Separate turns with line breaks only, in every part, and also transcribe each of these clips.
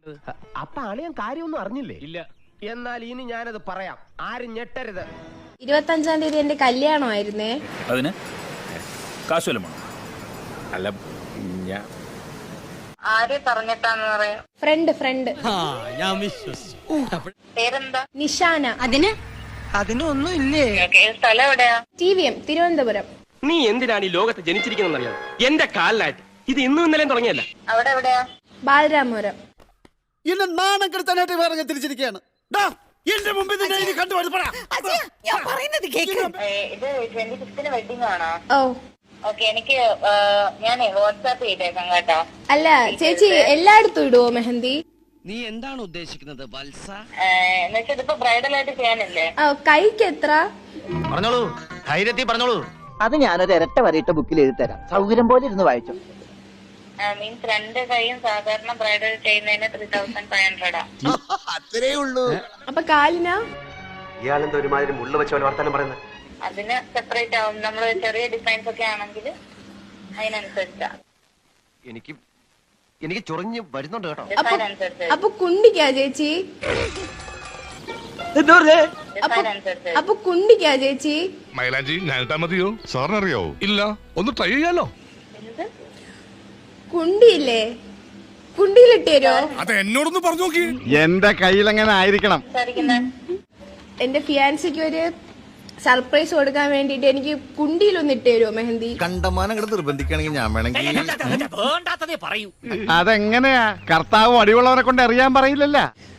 അപ്പൊ അളിയൻ കാര്യമൊന്നും അറിഞ്ഞില്ലേ?
ഇല്ല.
എന്നാൽ ഇനി ഞാനത് പറയാം, ആരും ഞെട്ടരുത്.
25-ാം തീയതി എന്റെ കല്യാണമായിരുന്നേ.
അതിന് കാശുവല്ലോ?
അല്ല, ഞാൻ
ആരെ പറഞ്ഞിട്ടാന്ന് പറയാ?
ഫ്രണ്ട്
ഞാൻ വിശ്വസിച്ചു.
പേരെന്താ?
നിഷാന.
അതിനൊന്നും ഇല്ലേ?
സ്ഥലം എവിടെയാ?
TVM തിരുവനന്തപുരം.
നീ എന്തിനാണ് ഈ ലോകത്ത് ജനിച്ചിരിക്കുന്നറിയാം? എന്റെ കാലിലായിട്ട് ഇത് ഇന്നും ഇന്നലെയും തുടങ്ങിയല്ല.
അവിടെ എവിടെയാ?
ബാലരാമപുരം.
എന്നെ നാണം കെടുത്താനായിട്ട് വേറെ തിരിച്ചിരിക്കുകയാണ്. എന്റെ മുമ്പിൽ
ഇത് 25ന് വെഡിങ് ആണോ?
ഓ
ഓക്കെ, എനിക്ക് ഞാനേ വാട്സാപ്പ് ചെയ്തേക്കാം കേട്ടോ.
അല്ല ചേച്ചി, എല്ലായിടത്തും ഇടുവോ മെഹന്തി?
നീ എന്താണ് ഉദ്ദേശിക്കുന്നത് വത്സ?
എന്നുവെച്ചാൽ ഇതിപ്പോ ബ്രൈഡൽ ആയിട്ട് ചെയ്യാനല്ലേ?
കൈക്ക് എത്ര?
പറഞ്ഞോളൂ, ധൈര്യത്തിൽ പറഞ്ഞോളൂ.
അത് ഞാനൊരു ഇരട്ട വരയിട്ട ബുക്കിൽ എഴുതി തരാം, സൗകര്യം പോലെ ഇരുന്ന് വായിച്ചു.
മീൻസ് 2 കൈയും സാധാരണ ബ്രൈഡൽ ചെയ്യുന്നതിന് 3500
അത്രേ ഉള്ളൂ.
അപ്പൊ കാലിനാ?
ഇയാളെന്താ ഒരുമാതിരി മുള്ള വെച്ച പോലെ വർത്താനം പറയുന്നത്?
അതിന് സെപ്പറേറ്റ് ആവും. നമ്മള് ചെറിയ ഡിസൈൻസ് ഒക്കെ ആണെങ്കിൽ അതിനനുസരിച്ചാ.
എനിക്ക് ചൊറിഞ്ഞ് വരുന്നുണ്ട് കേട്ടോ.
ഡിസൈൻ അനുസരിച്ച്
അപ്പൊ കുണ്ടിക്കാ ചേച്ചി?
ഡിസൈൻ അനുസരിച്ച്
അപ്പൊ കുണ്ടിക്കാ ചേച്ചി?
മൈലാഞ്ചി ഞാനിട്ടാ മതിയോ? സാറിനറിയോ? ഇല്ല, ഒന്ന് ട്രൈ ചെയ്യാലോ.
കുണ്ടിയില്ലേ? കുണ്ടിയിലിട്ട് തരുമോ?
അത് എന്നോടൊന്ന് പറഞ്ഞു നോക്കി.
എന്റെ കയ്യിൽ എങ്ങനെ ആയിരിക്കണം?
എന്റെ ഫിയാൻസിക്ക് ഒരു സർപ്രൈസ് കൊടുക്കാൻ വേണ്ടിട്ട് എനിക്ക് കുണ്ടിയിലൊന്ന് ഇട്ട് തരുമോ മെഹന്തി?
കണ്ടമാനം ഇവിടെ നിർബന്ധിക്കണെങ്കിൽ ഞാൻ വേണമെങ്കിൽ.
വേണ്ടാത്തതേ പറയൂ.
അതെങ്ങനെയാ? കർത്താവ് അടിയുള്ളവരെ കൊണ്ട് അറിയാൻ പറയില്ലല്ല.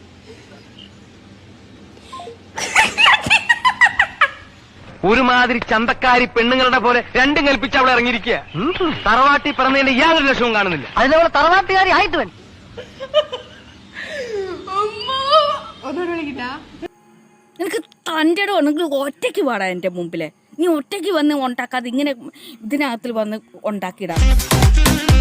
ഒരുമാതിരി ചന്തക്കാരി പെണ്ണുങ്ങളുടെ പോലെ രണ്ടും കൽപ്പിച്ച് അവളെ ഇറങ്ങിയിരിക്കുക. തറവാട്ടി പറഞ്ഞതിന്റെ യാതൊരു ലക്ഷവും കാണുന്നില്ല.
അതിനവളെ തറവാട്ടുകാരി ആയിട്ട് വൻ.
ഒന്നുകൂടെ വിളിക്കട്ടാ?
നിനക്ക് തൻ്റെ ഉണ്ടെങ്കിൽ ഒറ്റയ്ക്ക് പാടാ എൻ്റെ മുമ്പിലെ. നീ ഒറ്റയ്ക്ക് വന്ന് ഉണ്ടാക്കാതെ ഇങ്ങനെ ഇതിനകത്തിൽ വന്ന് ഉണ്ടാക്കിയിടാം.